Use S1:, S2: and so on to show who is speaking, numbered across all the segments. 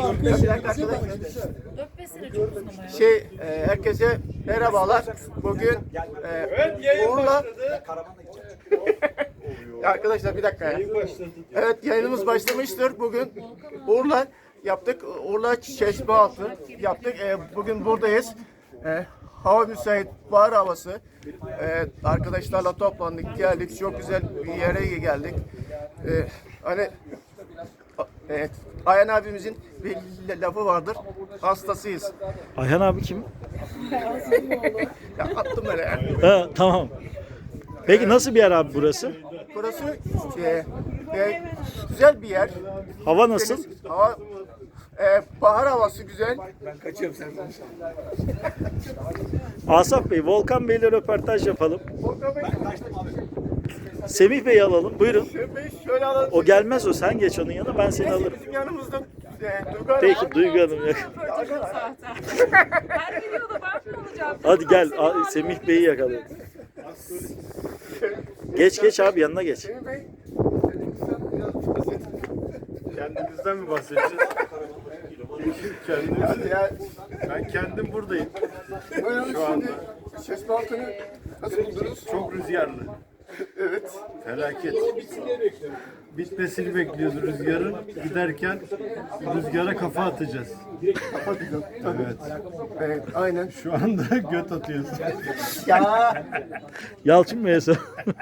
S1: Bir dakika arkadaşlar.
S2: 4-5 sene çok uzun ama ya.
S1: Herkese merhabalar. Bugün Uğur'la arkadaşlar bir dakika ya. Evet, yayınımız başlamıştır. Bugün Uğur'la yaptık. Uğur'la Çeşmealtı yaptık. Bugün buradayız. Hava müsait, bahar havası. Arkadaşlarla toplandık, geldik. Çok güzel bir yere geldik. Hani evet, Ayhan abimizin bir lafı vardır. Hastasıyız.
S3: Ayhan abi kim?
S1: Ya attım böyle ya.
S3: Ha, tamam. Peki nasıl bir yer abi burası?
S1: Burası güzel bir yer.
S3: Hava nasıl?
S1: Hava, bahar havası güzel.
S3: Asaf Bey, Volkan Bey'le röportaj yapalım. Semih Bey'i alalım. Buyurun.
S1: Şöyle alalım.
S3: O gelmez o. Sen geç onun yanına. Ben seni alırım.
S1: Bizim yanımızda Duygu Hanım.
S3: Peki Duygu Hanım. Yok.
S2: Her videoda ben mi olacağım?
S3: Hadi gel. Semih Bey'i yakalayalım. Geç abi yanına geç.
S1: Semih Bey,
S4: Kendimizden mi bahsedeceğiz? Kendimiz,
S1: ya,
S4: ben kendim buradayım.
S1: buyurun
S4: Şu anda
S1: şimdi Çeşmealtı'nı nasıl buldunuz?
S4: çok rüzgarlı.
S1: Evet.
S4: Felaket. Bitmesini bekliyoruz rüzgarın. Giderken rüzgara kafa atacağız. Evet.
S1: Evet, aynen.
S4: Şu anda göt atıyoruz.
S1: Ya,
S3: Yalçın Bey'e sor.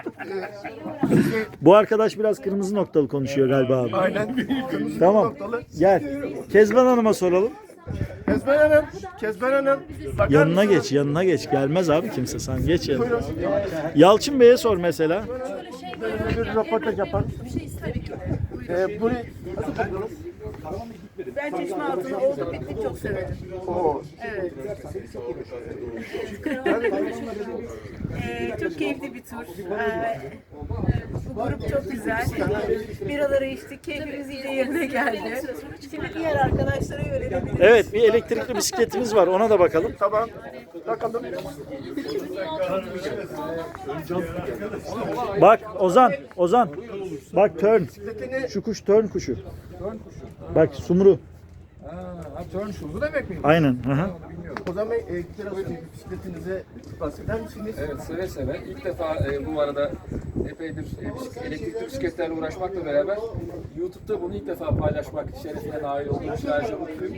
S3: Bu arkadaş biraz kırmızı noktalı konuşuyor galiba abi.
S1: aynen. Kırmızı
S3: Tamam.
S1: noktalı.
S3: Gel. Kezban Hanım'a soralım.
S1: Kezban Hanım. Bakar
S3: Yanına
S1: mısınız?
S3: geç, yanına geç. Gelmez abi kimse. Sen geç yanına. Yalçın Bey'e sor mesela.
S1: Bir röportaj yapar. Burayı nasıl buldunuz?
S5: Ben Çeşmealtı'nı oldu bitti çok severim.
S1: Oo.
S5: Evet. Çok keyifli bir tur. Bu grup çok güzel. Biraları içtik, keyfimiz iyice yerine geldi. Şimdi diğer arkadaşlara yönelebiliriz.
S3: Evet, bir elektrikli bisikletimiz var. Ona da bakalım.
S1: Tamam. Bakalım.
S3: Bak Ozan. Bak tern. Şu kuş tern kuşu. Bak sumru.
S1: Bu demek mi?
S3: Aynen. Hı hı.
S1: O zaman biraz bisikletinize bahseder misiniz?
S6: Evet, seve seve. İlk defa bu arada epeydir elektrikli bisikletlerle uğraşmakla beraber YouTube'da bunu ilk defa paylaşmak şerefine nail olduğum için ayrıca mutluyum.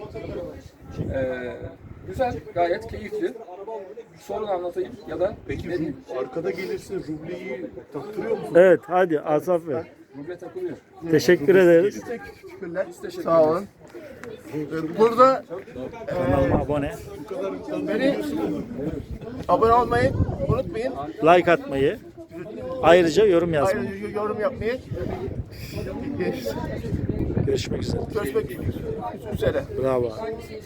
S6: Güzel, gayet keyifli. Sorun anlatayım ya da
S4: Peki arkada gelirse rubleyi taktırıyor musun?
S3: Evet, hadi Asaf Bey.
S6: ruble takılıyor.
S3: Teşekkür ederiz.
S1: Teşekkürler. Sağ olun. Burada
S3: Kanalıma abone.
S1: beni abone olmayı unutmayın.
S3: Like atmayı. Ayrıca yorum yazmayı.
S1: Ayrıca yorum yapmayı.
S3: Görüşmek üzere.
S1: Görüşmek üzere.
S3: Bravo.